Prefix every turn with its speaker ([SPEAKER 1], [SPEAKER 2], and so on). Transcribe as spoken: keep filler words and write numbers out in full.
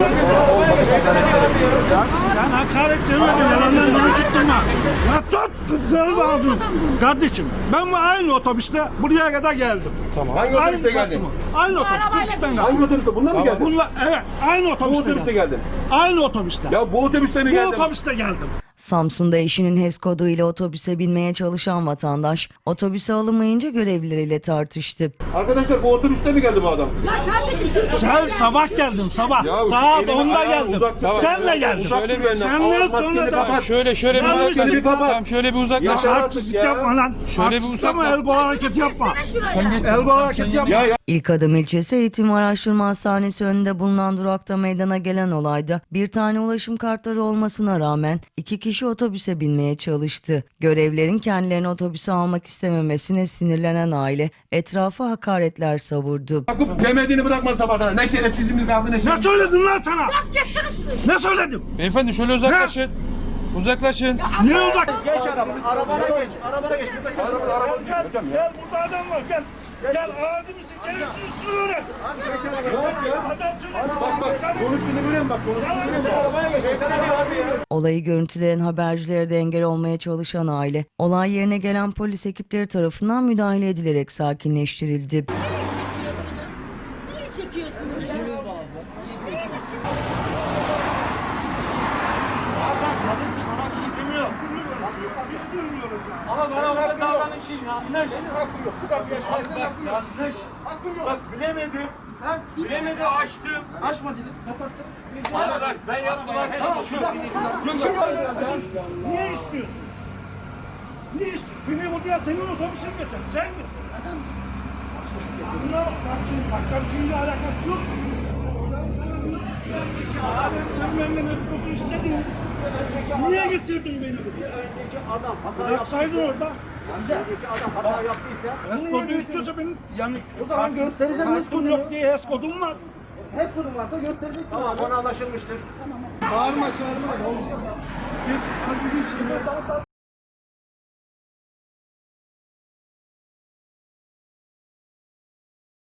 [SPEAKER 1] Ben hakaret demedim, yalandan konuşturma. Ya tut, kızları bağladın. Kardeşim, ben bu aynı otobüste buraya kadar geldim.
[SPEAKER 2] Tamam. Hangi otobüste geldin?
[SPEAKER 1] Aynı otobüste.
[SPEAKER 2] Hangi otobüste? Bundan mı geldin?
[SPEAKER 1] Bunlar, evet, aynı
[SPEAKER 2] Bu
[SPEAKER 1] otobüste,
[SPEAKER 2] otobüste
[SPEAKER 1] geldim.
[SPEAKER 2] geldin.
[SPEAKER 1] Aynı otobüste.
[SPEAKER 2] Ya bu otobüste mi
[SPEAKER 1] Bu
[SPEAKER 2] geldin?
[SPEAKER 1] otobüste geldim.
[SPEAKER 3] Samsun'da eşinin H E S kodu ile otobüse binmeye çalışan vatandaş, otobüse alınmayınca görevlileriyle tartıştı.
[SPEAKER 2] Arkadaşlar bu otobüste mi geldi bu adam?
[SPEAKER 4] Ya kardeşim
[SPEAKER 1] Sen sabah geldim, sabah.
[SPEAKER 2] Ya,
[SPEAKER 1] Saat
[SPEAKER 2] elimi
[SPEAKER 1] onda
[SPEAKER 2] ayağımı
[SPEAKER 1] geldim.
[SPEAKER 2] uzak tut.
[SPEAKER 1] Senle geldim.
[SPEAKER 2] Uzak dur benden.
[SPEAKER 1] Senle
[SPEAKER 2] Al, maskeni
[SPEAKER 1] sonra da...
[SPEAKER 2] kapat.
[SPEAKER 5] Şöyle şöyle bir
[SPEAKER 1] Yanlış
[SPEAKER 5] uzaklaşın.
[SPEAKER 2] dedi baba.
[SPEAKER 5] Tamam şöyle bir uzaklaşın.
[SPEAKER 2] Ya,
[SPEAKER 1] Artistlik
[SPEAKER 2] ya.
[SPEAKER 1] yapma lan.
[SPEAKER 5] Şöyle bir
[SPEAKER 1] Artistlik yapma,
[SPEAKER 5] uzakla.
[SPEAKER 1] el kol hareketi yapma.
[SPEAKER 5] Sen geç.
[SPEAKER 1] El kol hareketi yapma.
[SPEAKER 2] Ya ya.
[SPEAKER 3] İlkadım ilçesi Eğitim Araştırma Hastanesi önünde bulunan durakta meydana gelen olayda bir tane ulaşım kartları olmasına rağmen iki kişi otobüse binmeye çalıştı. Görevlerin kendilerini otobüse almak istememesine sinirlenen aile etrafa hakaretler savurdu.
[SPEAKER 2] Yakup demediğini bırakma sabahtan. Ne şerefsizimiz kaldı ne
[SPEAKER 1] Ne
[SPEAKER 2] şerefsiz.
[SPEAKER 1] söyledim lan sana?
[SPEAKER 4] kessiniz.
[SPEAKER 1] Ne söyledim?
[SPEAKER 5] Beyefendi şöyle uzaklaşın. Uzaklaşın.
[SPEAKER 1] Niye uzak?
[SPEAKER 6] Geç araba, arabana geç, arabana geç.
[SPEAKER 1] Gel, gel, gel burada adam var, gel. Gel ağzını sıçarım, üstünü öğren. Adam söyle.
[SPEAKER 2] Bak bak konuştuğunu görüyorum bak konuştuğunu görüyorum. Arabaya geç. Şeytana ne abi ya?
[SPEAKER 3] Olayı görüntüleyen habercilere de engel olmaya çalışan aile, olay yerine gelen polis ekipleri tarafından müdahale edilerek sakinleştirildi.
[SPEAKER 4] Niye çekiyorsunuz ya? Neyiniz çıktı?
[SPEAKER 6] Ama bana orada davranışın yanlış. Bak yanlış. Bak bilemedim. Sen bilemedim açtım. Açma dedim. Kapattım. Bana bak ben yaptım arkadaşım.
[SPEAKER 1] Niye istiyorsun? Niye istiyorsun? Beni buraya senin otobüsün getir. Sen getir. Buna bak, bak şimdi, bak ben seninle alakası yok. Abi sen benden ödül istedin. Niye getirdin beni buraya?
[SPEAKER 6] Adam hata
[SPEAKER 1] Bıraksaydın orada.
[SPEAKER 6] Önceki adam hata yaptıysa.
[SPEAKER 1] H E S kodu istiyorsa benim yani...
[SPEAKER 6] O zaman göstereceğim
[SPEAKER 1] H E
[SPEAKER 6] H E
[SPEAKER 1] S
[SPEAKER 6] S
[SPEAKER 1] kodu
[SPEAKER 6] kodunu.
[SPEAKER 1] yok diye H E S kodum var.
[SPEAKER 6] H E S kodun varsa göstereceksin. Tamam, ona anlaşılmıştır. Bağırma çağırma.